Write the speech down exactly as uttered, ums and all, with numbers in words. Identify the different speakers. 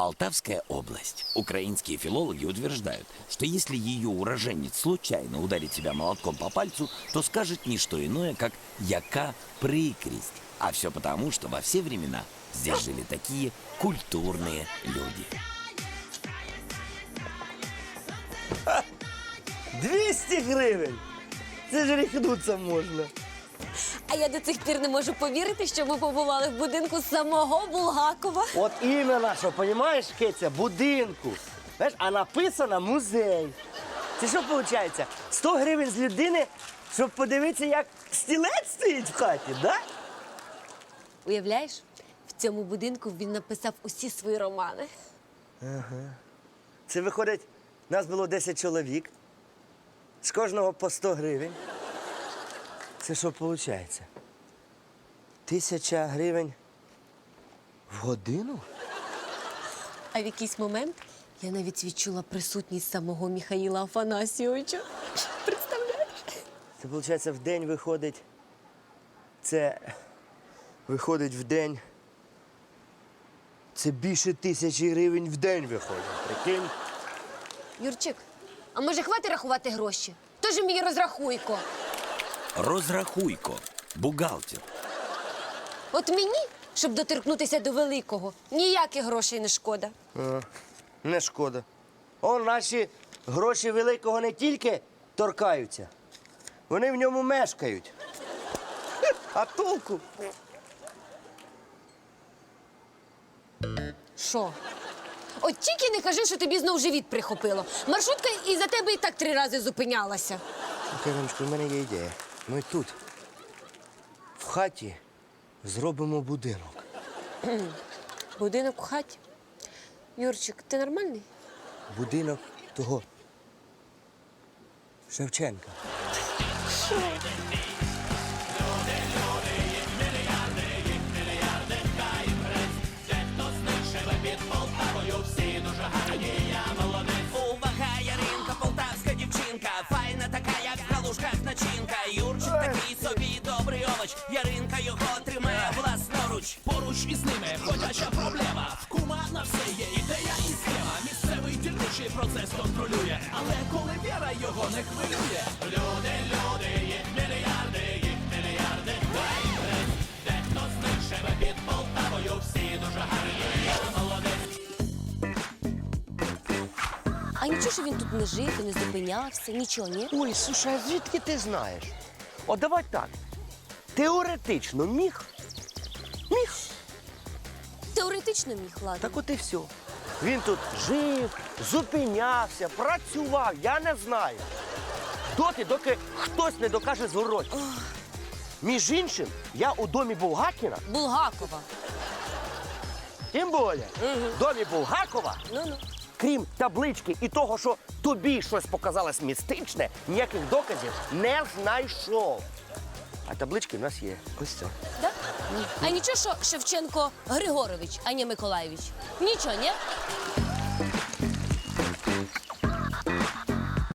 Speaker 1: Полтавская область. Украинские филологи утверждают, что если ее уроженец случайно ударит себя молотком по пальцу, то скажет не что иное, как «яка прикресть». А все потому, что во все времена здесь жили такие культурные люди.
Speaker 2: двісті гривень! Це ж ріхнуться можна.
Speaker 3: А я до цих пір не можу повірити, що ми побували в будинку самого Булгакова.
Speaker 2: От іменно, що, понімаєш, Киця, будинку. Знаєш, а написано музей. Це що виходить? сто гривень з людини, щоб подивитися, як стілець стоїть в хаті, да?
Speaker 3: Уявляєш, в цьому будинку він написав усі свої романи.
Speaker 2: Це виходить, нас було десять чоловік, з кожного по сто гривень. Це що виходить? Тисяча гривень в годину?
Speaker 3: А в якийсь момент я навіть відчула присутність самого Михаїла Афанасійовича. Представляєш?
Speaker 2: Це, виходить, в день виходить. Це виходить в день. Це більше тисячі гривень в день виходить. Прикинь?
Speaker 3: Юрчик, а може хватить рахувати гроші? Тож мій розрахуйко.
Speaker 1: Розрахуйко. Бухгалтер.
Speaker 3: От мені, щоб доторкнутися до великого, ніяких грошей не шкода.
Speaker 2: Не шкода. Он наші гроші великого не тільки торкаються, вони в ньому мешкають. А толку?
Speaker 3: Що? От тільки не кажи, що тобі знов живіт прихопило. Маршрутка і за тебе і так три рази зупинялася.
Speaker 2: Кириночко, в мене є ідея. Ми тут, в хаті, зробимо будинок.
Speaker 3: Будинок у хаті. Юрчик, ти нормальний?
Speaker 2: Будинок того Шевченка.
Speaker 4: Увага, Яринка, полтавська дівчинка, файна така, як в галушках начинка. Юрчик такий собі добрий овоч, Яринка його тримає власноруч.
Speaker 5: Поруч із ними ходяча проблема. В кума на все є ідея і схема. Місцевий дільничий процес контролює, але коли віра його не хвилює. Люди, люди, їх мільярди, їх мільярди. Дай прес, дехто з них живе під Полтавою. Всі дуже гарні, я молодець.
Speaker 3: А нічого, що він тут не жив і не зупинявся, нічого, ні?
Speaker 2: Ой, слушай, а звідки ти знаєш? От давай так. Теоретично міг? Міг.
Speaker 3: Теоретично міг, ладно.
Speaker 2: Так от і все. Він тут жив, зупинявся, працював, я не знаю. Доти, доки хтось не докаже зворотні. Між іншим, я у домі Булгакіна,
Speaker 3: Булгакова.
Speaker 2: тим більше, в домі Булгакова,
Speaker 3: Ну-ну.
Speaker 2: крім таблички і того, що тобі щось показалось містичне, ніяких доказів не знайшов. А таблички в нас є. Ось це.
Speaker 3: Да? А нічого, що Шевченко Григорович, а не Миколаєвич? Нічого, ні?